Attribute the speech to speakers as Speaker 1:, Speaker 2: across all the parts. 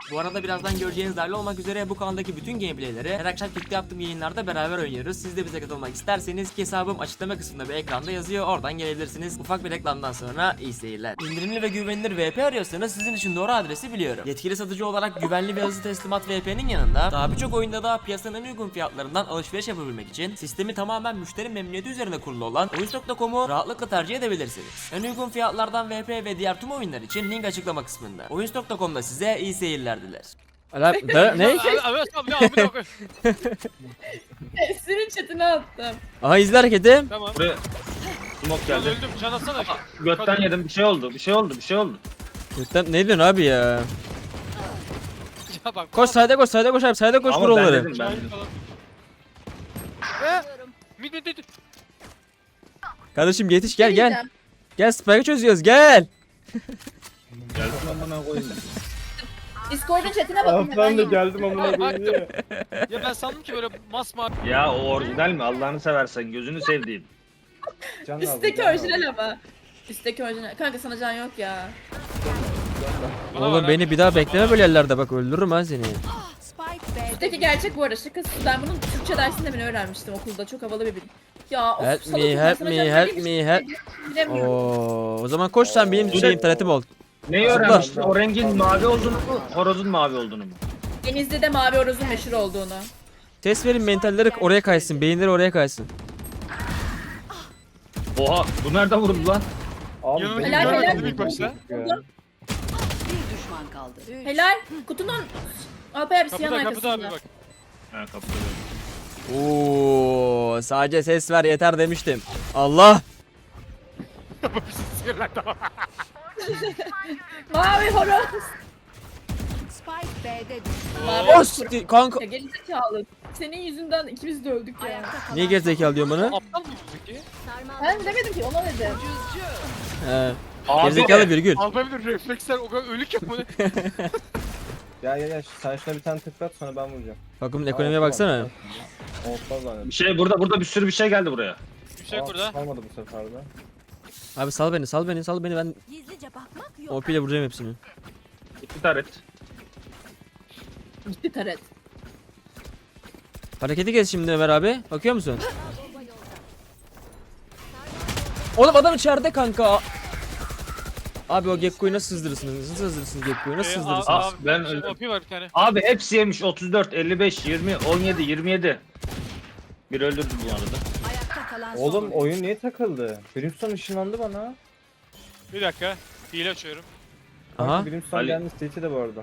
Speaker 1: Bu arada birazdan göreceğiniz dahil olmak üzere bu kanaldaki bütün gameplayleri her akşam birlikte yaptığım yayınlarda beraber oynuyoruz. Siz de bize katılmak isterseniz ki hesabım açıklama kısmında bir ekranda yazıyor. Oradan gelebilirsiniz. Ufak bir reklamdan sonra iyi seyirler. İndirimli ve güvenilir VP arıyorsanız sizin için doğru adresi biliyorum. Yetkili satıcı olarak güvenli ve hızlı teslimat VP'nin yanında daha birçok oyunda da piyasanın en uygun fiyatlarından alışveriş yapabilmek için sistemi tamamen müşteri memnuniyeti üzerine kurulu olan Oyuncu.com'u rahatlıkla tercih edebilirsiniz. En uygun fiyatlardan VP ve diğer tüm oyunlar için link açıklama kısmında. Oyuncu.com'da size iyi seyirler diler. Ne?
Speaker 2: Evet abi abi.
Speaker 3: Senin chatine attım.
Speaker 1: Aha izle hareketi.
Speaker 2: Tamam.
Speaker 4: Buraya smoke
Speaker 2: Ben
Speaker 4: geldi.
Speaker 2: öldüm. Can atsana.
Speaker 4: Götten yedim, bir şey oldu.
Speaker 1: Ne diyorsun abi ya?
Speaker 2: Ya bak.
Speaker 1: Koş sayda koş abi sayda koş
Speaker 4: Ama
Speaker 1: vur
Speaker 4: ben
Speaker 1: onları.
Speaker 4: dedim, ben dedim.
Speaker 2: Mid.
Speaker 1: Kardeşim yetiş
Speaker 3: Ne
Speaker 1: gel gel.
Speaker 3: diyeceğim?
Speaker 1: Gel spike'ı çözüyoruz gel.
Speaker 4: Geldim amına koyayım.
Speaker 3: Discord'un chatine bakın.
Speaker 5: Ben de geldim amına koyayım diye.
Speaker 2: Ya ben sandım ki böyle masmavi.
Speaker 4: Ya o orijinal mi? Allah'ını seversen, gözünü sevdiğim.
Speaker 5: Can lazım,
Speaker 3: Üstteki
Speaker 5: can lazım.
Speaker 3: orijinal ama. Üstteki orijinal. Kanka sana can yok ya.
Speaker 2: Bana
Speaker 1: Oğlum
Speaker 2: bak
Speaker 1: beni
Speaker 2: ha.
Speaker 1: bir daha bekleme böyle yerlerde bak öldürürüm ha seni.
Speaker 3: Üstteki gerçek bu arada şakası. Ben bunun Türkçe dersinde beni öğrenmiştim okulda. Çok havalı bir bilim. Ya of,
Speaker 1: Help
Speaker 3: salak
Speaker 1: me,
Speaker 3: insan,
Speaker 1: help
Speaker 3: sana
Speaker 1: me,
Speaker 3: can
Speaker 1: help
Speaker 3: vereyim
Speaker 1: me,
Speaker 3: işte.
Speaker 1: help.
Speaker 3: Bilemiyorum.
Speaker 1: O zaman koş sen benim
Speaker 4: Oo.
Speaker 1: şeyim talentim ol.
Speaker 4: Neyi
Speaker 5: Allah.
Speaker 4: öğrenmiştin? O rengin mavi olduğunu mu? Horozun mavi olduğunu mu?
Speaker 3: Denizli'de mavi horozun meşhur olduğunu.
Speaker 1: Ses verin mentalleri oraya kaysın, beyinleri oraya kaysın.
Speaker 4: Oha, bu nereden vuruldu lan?
Speaker 5: Abi
Speaker 2: Yanına
Speaker 5: benim
Speaker 3: Helal,
Speaker 5: canım
Speaker 3: helal.
Speaker 5: çok
Speaker 2: ilk başta.
Speaker 5: ya.
Speaker 6: Bir düşman kaldı.
Speaker 3: Helal. Kutunun Alper abi siyahın
Speaker 2: Kapıda abi
Speaker 3: arkasında.
Speaker 2: bak.
Speaker 4: Ha kapıda.
Speaker 1: Oo, sadece ses ver yeter demiştim. Allah.
Speaker 3: Mavi horoz.
Speaker 6: Spike B'de düştü.
Speaker 3: Mavi
Speaker 1: Os kanka.
Speaker 3: Ya gerizekalı. Senin yüzünden ikimiz de öldük ya.
Speaker 6: Ayakta kalan
Speaker 1: Niye gerizekalı diyorsun bana?
Speaker 2: Aptal mıyız peki?
Speaker 3: Ben demedim ki ona dedim.
Speaker 1: He.
Speaker 4: Abi,
Speaker 1: Gerizekalı virgül.
Speaker 2: Alpabilir refleksler o kadar ölük yok mu?
Speaker 5: Ya sen şuna bir tane tıklat sonra ben vuracağım.
Speaker 1: Takımın ekonomiye baksana.
Speaker 5: Olmaz lan.
Speaker 4: bir şey burada bir sürü bir şey geldi buraya.
Speaker 2: Bir şey yok burada.
Speaker 5: Kalmadı bu sefer de.
Speaker 1: Abi sal beni ben
Speaker 6: Gizlice bakmak yok.
Speaker 1: OP ile vuracağım hepsini.
Speaker 4: İki taret.
Speaker 3: Gitti taret.
Speaker 1: Hareketi kes şimdi Ömer abi. Bakıyor musun? Oğlum adam içeride kanka. Abi o Gekko'yu nasıl sızdırırsınız? Nasıl sızdırırsınız Gekko'yu? Nasıl sızdırırsınız?
Speaker 4: Aa, ben
Speaker 2: ben
Speaker 4: öldüm.
Speaker 2: OP var bir tane.
Speaker 4: Abi hepsi yemiş. 34, 55, 20, 17, 27. Bir öldürdü bu arada.
Speaker 6: Ayakta kalan son
Speaker 5: Oğlum
Speaker 6: oyuncu.
Speaker 5: oyun niye takıldı? Brimstone ışınlandı bana.
Speaker 2: Bir dakika. Hile açıyorum.
Speaker 5: Kanka
Speaker 1: Aha.
Speaker 5: Brimstone
Speaker 4: Ali.
Speaker 5: gelmiş Twitch'e de bu arada.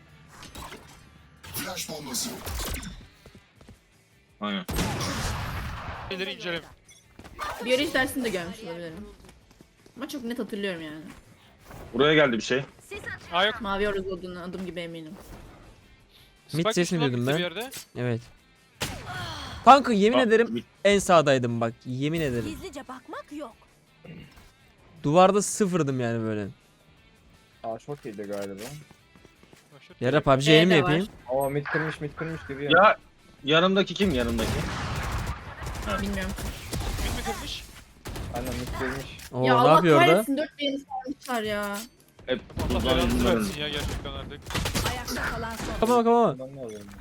Speaker 4: Aynen.
Speaker 2: Hileleri inceleme.
Speaker 3: Biyoloji dersinde görmüş olabilirim. Ama çok net hatırlıyorum yani.
Speaker 4: Buraya geldi bir şey.
Speaker 2: Aa yok.
Speaker 3: Mavi horoz olduğunu adım gibi eminim.
Speaker 1: Mid
Speaker 2: Spike
Speaker 1: sesini
Speaker 2: düştü lan
Speaker 1: duydum
Speaker 2: bitti
Speaker 1: ben.
Speaker 2: bir yerde.
Speaker 1: Evet. Kanka yemin
Speaker 4: Aa,
Speaker 1: ederim en sağdaydım bak. Yemin ederim.
Speaker 6: Gizlice bakmak yok.
Speaker 1: Duvarda sıfırdım yani böyle.
Speaker 5: Aa çok iyiydi galiba.
Speaker 1: Yara PUBG
Speaker 3: B'de
Speaker 1: yayını mı
Speaker 3: var.
Speaker 1: yapayım?
Speaker 5: Aa mid kırmış gibi ya.
Speaker 4: Ya yanımdaki kim yanımdaki?
Speaker 3: Bilmiyorum.
Speaker 2: Mid mi kırmış?
Speaker 5: Aynen mid kırmış.
Speaker 1: Oo
Speaker 3: ya
Speaker 1: ne
Speaker 3: Allah
Speaker 1: yapıyor orada?
Speaker 3: kahretsin 4 bir yeni sarmışlar ya.
Speaker 4: Hep
Speaker 2: Allah
Speaker 4: buradan
Speaker 2: belanızı
Speaker 4: yüzünden
Speaker 2: versin
Speaker 4: öldü.
Speaker 2: ya gerçekten artık.
Speaker 6: Ayakta kalan son
Speaker 1: Kapa kapa
Speaker 5: Ben ne alıyorum?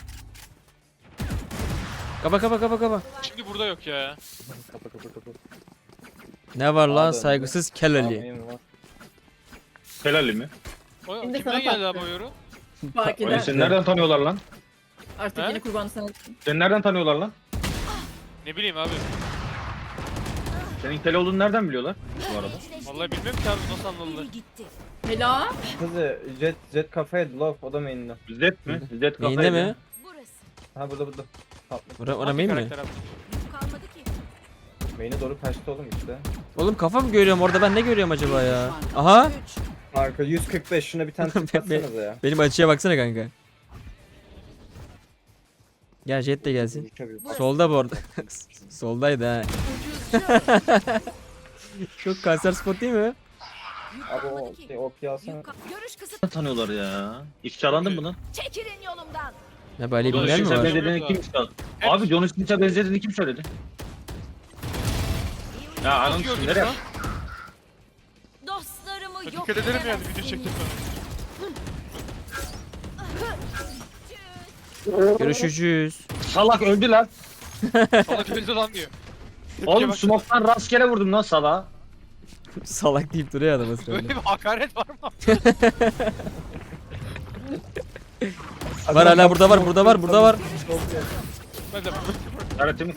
Speaker 1: kapa.
Speaker 2: Şimdi burada yok ya.
Speaker 5: Kapa.
Speaker 1: Ne var lan
Speaker 5: Abi,
Speaker 1: saygısız kelali.
Speaker 5: Amin var.
Speaker 4: Helali mi?
Speaker 2: O,
Speaker 3: Şimdi
Speaker 2: kimden
Speaker 3: sana
Speaker 2: geldi
Speaker 3: taktı.
Speaker 2: abi o yorum?
Speaker 3: Fark
Speaker 4: Oğlum
Speaker 3: eder.
Speaker 4: seni nereden tanıyorlar lan?
Speaker 3: Artık
Speaker 2: He?
Speaker 3: yeni kurbanı sana.
Speaker 4: Seni nereden tanıyorlar lan?
Speaker 2: Ne bileyim abi.
Speaker 4: Senin kel olduğunu nereden biliyorlar bu arada?
Speaker 2: Vallahi bilmiyorum ki abi nasıl anladılar.
Speaker 6: biri gitti.
Speaker 3: Helal.
Speaker 5: Kızı Jet kafaya love o da main'de.
Speaker 4: Zed mi? Zed kafayı.
Speaker 1: Neyinde mi?
Speaker 6: Burası.
Speaker 5: Ha burada. Tatlı.
Speaker 1: Ora
Speaker 2: Hangi
Speaker 1: main mi?
Speaker 2: karakter abi?
Speaker 6: Yük kalmadı ki.
Speaker 5: Main'e doğru kaçtı oğlum işte.
Speaker 1: Oğlum kafa mı görüyorum orada ben ne görüyorum acaba ya? Aha.
Speaker 6: 3.
Speaker 5: Arka 145 şuna bir tane tıklatsanıza ya.
Speaker 1: Benim açıya baksana kanka. Gel Jet de gelsin. Solda bu arada. Soldaydı ha. Çok kanser spot değil mi?
Speaker 6: Yük
Speaker 5: Abi
Speaker 6: kalmadı
Speaker 5: o
Speaker 6: ki.
Speaker 5: OP alsana.
Speaker 6: Görüş kısıt.
Speaker 4: Nereden tanıyorlar ya? İfşalandın mı lan?
Speaker 6: Çekilin yolumdan.
Speaker 1: Ne böyle
Speaker 2: Ulan
Speaker 1: bilmeyen mi
Speaker 2: şu
Speaker 1: var?
Speaker 2: sefer-
Speaker 4: benzediğini kim söyledi? Abi John Smith'e benzediğini kim söyledi? Ya anam
Speaker 2: Nasıl gördün
Speaker 4: nereye?
Speaker 2: ya?
Speaker 6: Dostlarımı yok
Speaker 2: Dikkat ederim yani
Speaker 6: edemezsiniz.
Speaker 2: video çektim sana.
Speaker 1: Görüşürüz.
Speaker 4: Salak öldü lan.
Speaker 2: Salak öldü lan diyor.
Speaker 4: Oğlum
Speaker 2: bak.
Speaker 4: smoke'tan rastgele vurdum lan salağa.
Speaker 1: Salak deyip duruyor adam
Speaker 2: Böyle
Speaker 1: ısrarla.
Speaker 2: bir hakaret var mı?
Speaker 1: Var hala burada var, burada var, burada var.
Speaker 2: Ben de
Speaker 4: Karatemi.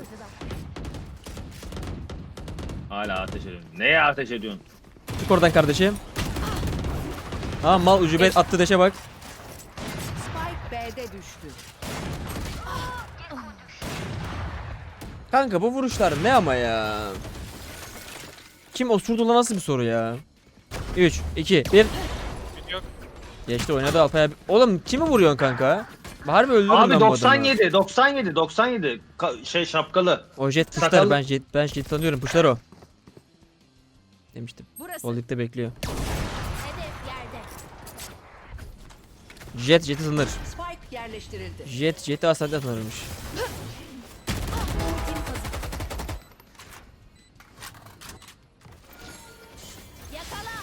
Speaker 4: Hala ateş ediyorsun. Neye ateş ediyorsun?
Speaker 1: Çık oradan kardeşim. Ha mal ucube attı deşe bak.
Speaker 6: Spike B'de düştü.
Speaker 1: Kanka bu vuruşlar ne ama ya? Kim osurdu lan, nasıl bir soru ya? 3, 2, 1.
Speaker 2: yok.
Speaker 1: Geçti oynadı Alpay abi. Oğlum kimi vuruyorsun kanka? Harbi öldürdüm
Speaker 4: Abi
Speaker 1: ben bu adamı.
Speaker 4: 97. Şey şapkalı.
Speaker 1: O jet puşlar,
Speaker 4: Sakallı.
Speaker 1: ben jet tanıyorum, puşlar o. Demiştim.
Speaker 6: Burası.
Speaker 1: Holding'de bekliyor.
Speaker 6: Hedef yerde.
Speaker 1: Jet'i tanır.
Speaker 6: Spike yerleştirildi.
Speaker 1: Jet'i aslında tanırmış.
Speaker 6: Yakala.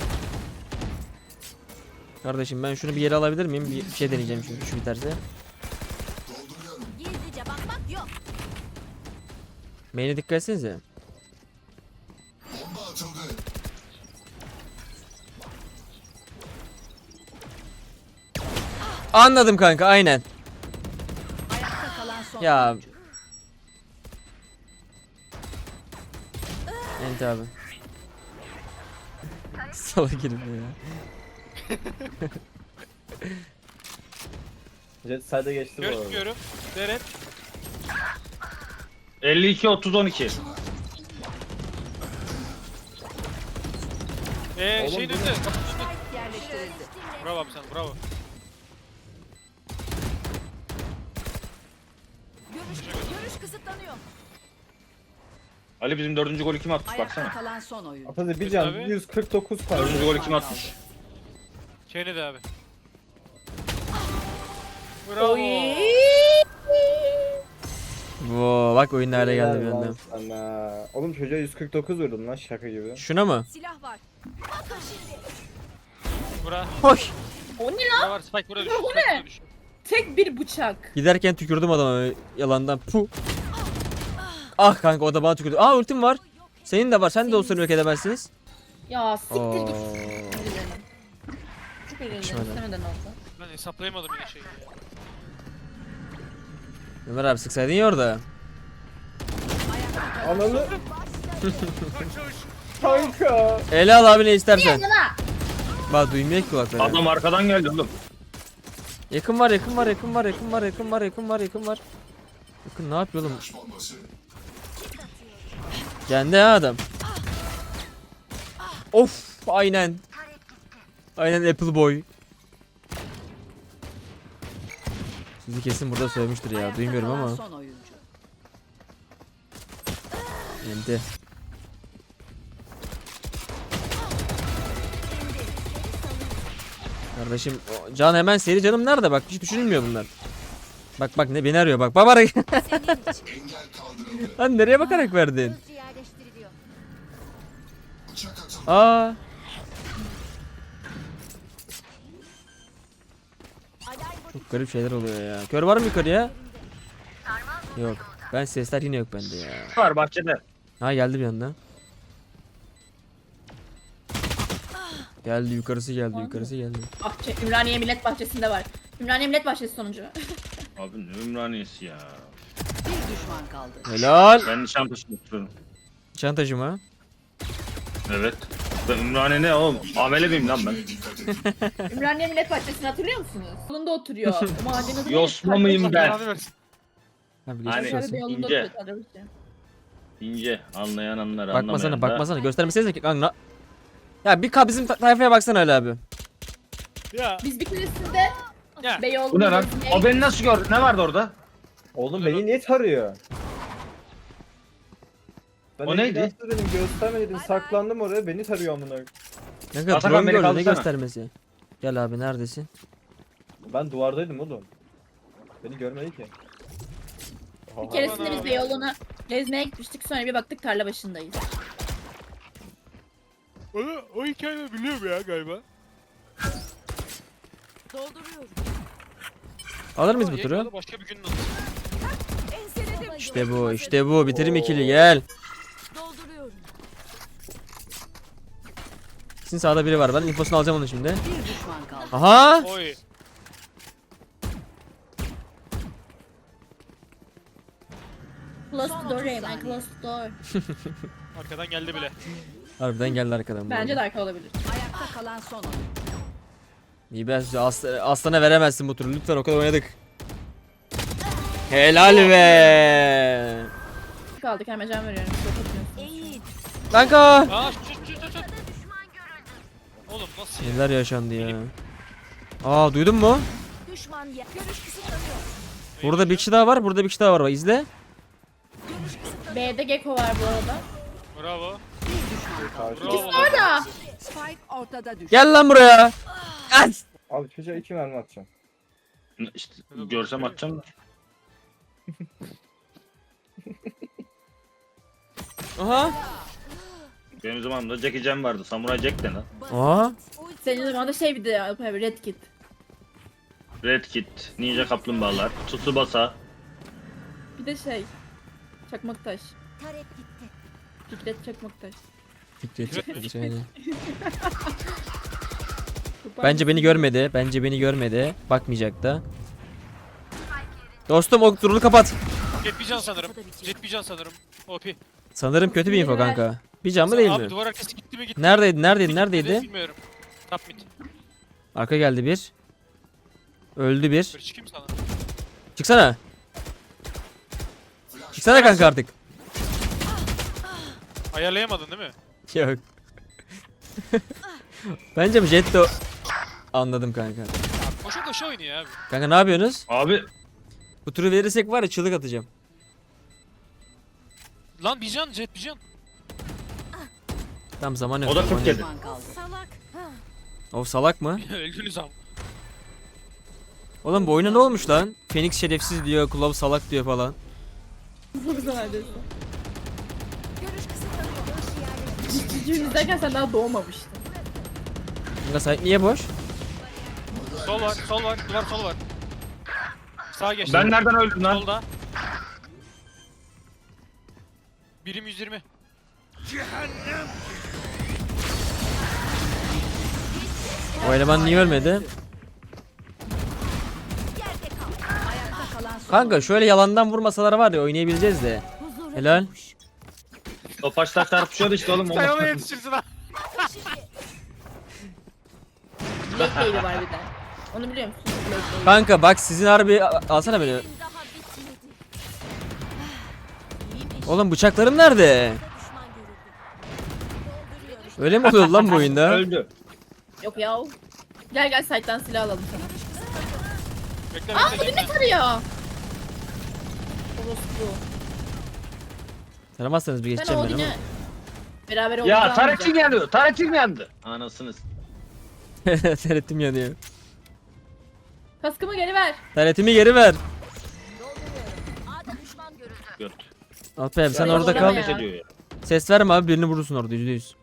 Speaker 1: Kardeşim ben şunu bir yere alabilir miyim? Bir şey deneyeceğim çünkü şu biterse.
Speaker 6: Gizlice bakmak yok.
Speaker 1: Main'e dikkat etsenize. Anladım kanka, aynen.
Speaker 6: Ayakta kalan son
Speaker 1: Ya.
Speaker 6: oyuncu.
Speaker 1: Enti abi. Salak herif ya.
Speaker 5: Jet side'a geçti bu arada.
Speaker 2: Görüşmüyorum. Deret.
Speaker 4: 52-30-12.
Speaker 2: Şeyin
Speaker 5: Oğlum,
Speaker 2: önünde.
Speaker 6: Spike yerleştirildi.
Speaker 2: Bravo abi sen, bravo.
Speaker 6: Görüş kısıtlanıyor.
Speaker 4: Ali bizim 4. golü kim atmış
Speaker 6: Ayakta
Speaker 4: baksana.
Speaker 6: kalan son oyuncu.
Speaker 5: Atazi bir can
Speaker 2: Abi.
Speaker 5: 149 para.
Speaker 4: 4. golü kim atmış?
Speaker 2: Şeyini de abi. Bravo.
Speaker 3: Oy.
Speaker 1: Wow, bak oyun nereye geldi bir
Speaker 5: Helal
Speaker 1: anda.
Speaker 5: lan sana. Oğlum çocuğa 149 vurdum lan şaka gibi.
Speaker 1: Şuna mı?
Speaker 6: Silah var. Bakın şimdi.
Speaker 2: Bura.
Speaker 1: Hoş.
Speaker 3: O ne lan?
Speaker 2: Bura var. Spike buraya düştü.
Speaker 3: Bu
Speaker 2: Spike
Speaker 3: ne?
Speaker 2: buraya düştü.
Speaker 3: Tek bir bıçak.
Speaker 1: Giderken tükürdüm adama yalandan. Puh. Ah kanka, o da bana tükürdü. Aa ultim var. Senin de var. Sen de olsun yok edemezsiniz.
Speaker 3: Ya siktir
Speaker 1: Oo.
Speaker 3: git. Çok eğlenceli.
Speaker 1: Yakışmadı.
Speaker 3: İstemeden oldu.
Speaker 2: Ben hesaplayamadım yine şeyi.
Speaker 1: Ömer abi sıksaydın ya orada.
Speaker 5: Ananı. Kanka.
Speaker 1: Ele al abi ne istersen.
Speaker 3: Yana.
Speaker 1: Bak duymuyor ki kulakları.
Speaker 4: Adam arkadan geldi oğlum.
Speaker 1: Yakın var, yakın var, yakın var, yakın var, yakın var, yakın var, yakın var. Yakın ne yapıyor oğlum? Kendi ha adam. Of, aynen. Aynen Apple Boy. Sizi kesin burada söylemiştir ya.
Speaker 6: Ayakta
Speaker 1: Duymuyorum
Speaker 6: kalan
Speaker 1: ama.
Speaker 6: son oyuncu.
Speaker 1: Enti. Kardeşim Can hemen seri canım nerede, bak hiç düşünülmüyor bunlar. Bak ne beni arıyor, bak bak. Lan nereye bakarak verdin?
Speaker 6: Hızlı yerleştiriliyor.
Speaker 1: Aa,
Speaker 6: Alarm
Speaker 1: çok garip şeyler oluyor ya. Kör var mı yukarıya? Yok. Ben sesler yine yok bende ya.
Speaker 4: Var bahçede.
Speaker 1: Ha geldi bir anda. Geldi yukarısı geldi, yukarısı geldi.
Speaker 3: Bahçe, Ümraniye Millet Bahçesi'nde var. Ümraniye Millet Bahçesi sonucu.
Speaker 4: Abi ne Ümraniyesi ya.
Speaker 6: bir düşman kaldı.
Speaker 1: Helal.
Speaker 4: Ben Nişantaşı'nda oturuyorum.
Speaker 1: Çantacı mı?
Speaker 4: Evet. Ben Ümraniye ne oğlum? Amele miyim lan ben?
Speaker 3: Ümraniye Millet Bahçesi'ni hatırlıyor musunuz? Yolunda oturuyor. Mahallenin adı ne?
Speaker 4: Yosma mıyım ben?
Speaker 2: Belanı versin.
Speaker 1: Abi
Speaker 4: Hani-
Speaker 1: geçmiş
Speaker 3: Aşağıda
Speaker 1: olsun.
Speaker 3: bir yolunda
Speaker 4: ince.
Speaker 3: oturuyor. Tanrımışım.
Speaker 4: İnce. Anlayan anlar,
Speaker 1: Bakmasana,
Speaker 4: anlamayan da.
Speaker 1: bakmasana. Göstermesenize ki kanka. Ya bir bizim tayfaya baksana Ali abi.
Speaker 2: Ya.
Speaker 3: Biz bir keresinde
Speaker 2: Ya.
Speaker 3: Beyoğlu'nda
Speaker 4: Bu ne lan?
Speaker 3: gezmeye
Speaker 4: O beni nasıl gördü? Ne vardı orada?
Speaker 5: Oğlum beni niye tarıyor? Ben
Speaker 4: O
Speaker 5: de
Speaker 4: neydi?
Speaker 5: biraz dedim gösterme dedim saklandım oraya beni tarıyor amına.
Speaker 1: Ne kadar
Speaker 4: Atakan
Speaker 1: drone
Speaker 4: beni
Speaker 1: gördü, ne
Speaker 4: kaldırsana.
Speaker 1: göstermesi. Gel abi neredesin?
Speaker 5: Ben duvardaydım oğlum. Beni görmedi ki.
Speaker 3: Bir keresinde biz Beyoğlu'na gezmeye gitmiştik. Sonra bir baktık tarla başındayız.
Speaker 2: O hikayeyi biliyorum ya galiba.
Speaker 6: Dolduruyorum.
Speaker 1: Alır mıyız bu turu?
Speaker 2: Yayınladı, başka bir günün adı.
Speaker 1: İşte bu, işte bu. Bitirim ikili, gel.
Speaker 6: Dolduruyorum.
Speaker 1: Sizin sağda biri var. Ben infosunu alacağım onu şimdi.
Speaker 6: Bir düşman kaldı.
Speaker 1: Aha!
Speaker 2: Oy.
Speaker 3: Close
Speaker 6: Son
Speaker 3: the door
Speaker 6: 30
Speaker 3: Reymen,
Speaker 6: saniye.
Speaker 3: close the door.
Speaker 2: Arkadan geldi bile.
Speaker 1: Harbiden geldi arkadan. bu
Speaker 3: Bence
Speaker 1: arada.
Speaker 3: de arka olabilir.
Speaker 6: Ayakta kalan son oyun.
Speaker 1: İyi ben size aslana veremezsin bu turu. Lütfen o kadar oynadık. Helal be.
Speaker 3: Kaldık hemen can veriyorum. Çok atıyorsun.
Speaker 6: Eğil.
Speaker 1: Kanka.
Speaker 2: Aa şut. Oğlum nasıl ya?
Speaker 1: Neler yaşandı ya. Aa duydun mu?
Speaker 6: Düşman ya. Görüş kısıtlanıyor.
Speaker 1: Burada bir kişi daha var. Burada bir kişi daha var. Bak izle.
Speaker 6: Görüş kısıtlanıyor.
Speaker 3: B'de Gecko var bu arada.
Speaker 2: Bravo.
Speaker 6: Bir düşman kaldı.
Speaker 2: Bravo.
Speaker 3: Orada.
Speaker 6: Spike ortada düştü.
Speaker 1: Gel lan buraya. At.
Speaker 5: Abi çocuğa 2 mermi atacağım.
Speaker 4: İşte görsem atacağım da.
Speaker 1: Aha.
Speaker 4: Benim zamanımda Jackie Chan vardı. Samuray Jack de lan.
Speaker 1: Aa.
Speaker 3: Senin zamanında şey bir de abi Red Kit.
Speaker 4: Red Kit, Ninja Kaplumbağalar, Tsubasa.
Speaker 3: Bir de şey. Çakmaktaş.
Speaker 6: Tarek gitti.
Speaker 3: Fikret Çakmaktaş.
Speaker 1: Fikret. Bence beni görmedi. Bence beni görmedi. Bakmayacak da. Dostum o turunu kapat.
Speaker 2: Jet bir can sanırım. Jet bir can sanırım. OP.
Speaker 1: Sanırım kötü bir info kanka. Bir can mı değil
Speaker 2: Abi
Speaker 1: mi?
Speaker 2: duvar arkası gitti mi gitti.
Speaker 1: Neredeydi?
Speaker 2: Gitti,
Speaker 1: Neredeydi?
Speaker 2: bilmiyorum. Top mid.
Speaker 1: Arka geldi bir. Öldü bir.
Speaker 2: Böyle çıkayım sana.
Speaker 1: Çıksana. Çıksana kanka artık.
Speaker 2: Ayarlayamadın değil mi?
Speaker 1: Yok. Bence bu jet de o- Anladım kanka.
Speaker 2: Ya koşa koşa oynuyor abi.
Speaker 1: Kanka ne yapıyorsunuz?
Speaker 4: Abi
Speaker 1: Bu turu verirsek var ya çığlık atacağım.
Speaker 2: Lan bir can Jet bir can.
Speaker 1: Tam zaman yok.
Speaker 4: o da
Speaker 1: zaman
Speaker 4: 47.
Speaker 1: yok.
Speaker 6: Düşman kaldı. Salak.
Speaker 1: O salak mı?
Speaker 2: Öldünüz ama.
Speaker 1: Oğlum bu oyuna ne olmuş lan? Phoenix şerefsiz diyor, Kulov salak diyor falan.
Speaker 3: Çok güzel neredeyse.
Speaker 6: Görüş kısıtlanıyor. Görüş yerleştirildi.
Speaker 3: Cicim izlerken sen daha doğmamıştın.
Speaker 1: Kanka site niye boş?
Speaker 2: Sol var, sol var, duvar sol var. Sağa geçti.
Speaker 4: Ben nereden öldüm lan?
Speaker 2: Solda. Birim 120.
Speaker 1: O eleman niye ölmedi?
Speaker 6: Yerde kal. Ayakta kalan son
Speaker 1: Kanka şöyle yalandan vurmasalar var ya oynayabileceğiz de.
Speaker 6: Huzura
Speaker 1: Helal.
Speaker 6: kavuştu.
Speaker 4: Topaçlar çarpışıyordu işte oğlum.
Speaker 2: Sen ona
Speaker 4: Olmaz.
Speaker 2: yetişirsin ha.
Speaker 3: Black Baby var bir de. Onu biliyor musun? Black Baby.
Speaker 1: Kanka bak sizin harbi alsana beni.
Speaker 6: Daha bitmedi. İyiymiş.
Speaker 1: Oğlum bıçaklarım nerede?
Speaker 6: Düşman görüldü.
Speaker 1: Öyle mi oluyor lan bu oyunda?
Speaker 4: Öldü.
Speaker 3: Yok ya. Gel site'dan silah alalım sana.
Speaker 2: Bekle
Speaker 3: Aa
Speaker 2: bekle.
Speaker 3: bu ne tarıyor? Orospu.
Speaker 1: Tanımazsanız bir
Speaker 3: Ben
Speaker 1: geçeceğim ben ama.
Speaker 3: Odin'e beraber
Speaker 4: Ya
Speaker 3: olacağım.
Speaker 4: Taretin yanıyor. Taretin yandı. Anasınız.
Speaker 1: Tarettim yanıyor.
Speaker 3: Kaskımı geri ver.
Speaker 1: Taretimi geri ver.
Speaker 6: A'da düşman görüldü.
Speaker 4: Göt.
Speaker 1: Alpay abi sen
Speaker 3: Ya,
Speaker 1: orada
Speaker 3: zorlama
Speaker 1: kal.
Speaker 3: ya.
Speaker 4: Ateş ediyor ya.
Speaker 1: Ses verme abi birini vurursun orada %100.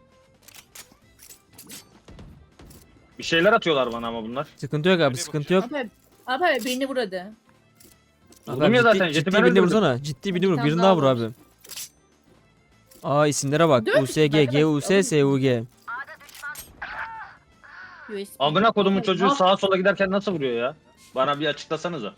Speaker 4: Bir şeyler atıyorlar bana ama bunlar.
Speaker 1: Sıkıntı yok abi
Speaker 2: Nereye
Speaker 1: sıkıntı yok.
Speaker 3: Abi birini vur hadi.
Speaker 1: Abi,
Speaker 4: Vurdum ya
Speaker 1: ciddi,
Speaker 4: zaten, jeti
Speaker 1: ciddi
Speaker 4: ben
Speaker 1: birini
Speaker 4: öldürdüm.
Speaker 1: vursana. Ciddi birini vur.
Speaker 3: Bir tane
Speaker 1: Birini
Speaker 3: daha
Speaker 1: daha vur
Speaker 3: var.
Speaker 1: abi. Aa isimlere bak.
Speaker 3: Dört
Speaker 1: USG,
Speaker 3: isim arkadaş.
Speaker 1: GUS, SUG.
Speaker 3: USB.
Speaker 4: Amına kodumun çocuğu
Speaker 3: Ah,
Speaker 4: sağa sola giderken nasıl vuruyor ya? Bana bir açıklasanıza.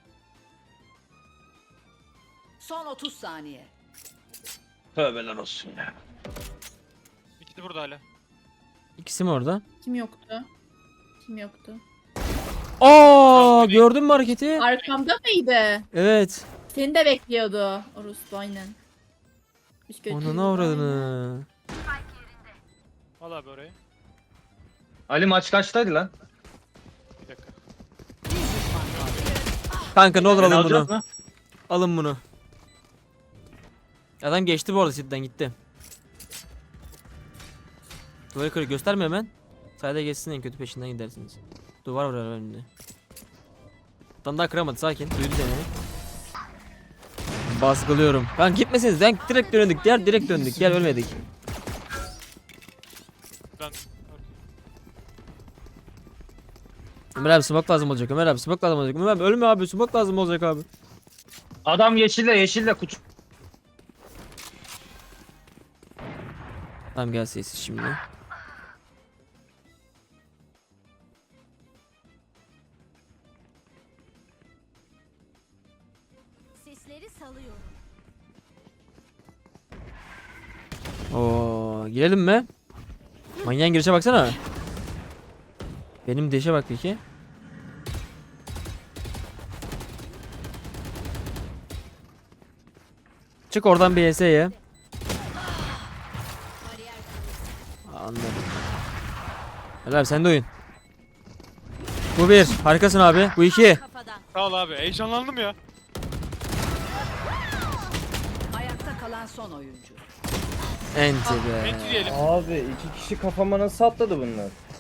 Speaker 6: Son 30 saniye.
Speaker 4: Tövbeler olsun ya.
Speaker 2: İkisi burada hala.
Speaker 1: İkisi mi orada?
Speaker 3: Kim yoktu? Kim yoktu?
Speaker 1: Aa gördün mü hareketi?
Speaker 3: Arkamda mıydı?
Speaker 1: Evet.
Speaker 3: Seni de bekliyordu. Orospu aynen. Hiç kötü
Speaker 1: Ona
Speaker 3: değil.
Speaker 1: ne uğradığını.
Speaker 2: Al abi orayı.
Speaker 4: Ali maç kaçtaydı lan?
Speaker 2: Bir dakika.
Speaker 6: Bir düşman kaldı.
Speaker 1: Kanka ne olur
Speaker 4: Beni
Speaker 1: alın
Speaker 4: alacak
Speaker 1: bunu.
Speaker 4: mı?
Speaker 1: Alın bunu. Adam geçti bu arada City'den gitti. Duvarı kırık gösterme hemen. Sayda geçsin en kötü peşinden gidersiniz. Duvar var önünde. Adam daha kıramadı sakin. Duydu seni. Baskılıyorum. Kanka gitmesiniz lan direkt döndük. Direkt döndük. Gel ölmedik.
Speaker 2: Ben...
Speaker 1: Ömer abi smoke lazım olacak. Ömer abi smoke lazım olacak. Ömer abi ölme abi smoke lazım olacak abi.
Speaker 4: Adam yeşille kutu.
Speaker 1: Tamam gel sessiz şimdi.
Speaker 6: Sesleri salıyorum.
Speaker 1: Oo, girelim mi? Manyağın girişe baksana. Benim deşe bak peki. Çık oradan bir ES'ye. Anladım. Helal abi sen de oyun. Bu bir. Harikasın abi. Bu iki.
Speaker 6: Kafadan.
Speaker 2: Sağ ol abi. Heyecanlandım ya.
Speaker 6: Ayakta kalan son oyuncu.
Speaker 1: Enti be.
Speaker 2: Enti diyelim.
Speaker 5: Abi 2 kişi kafama nasıl atladı bunlar?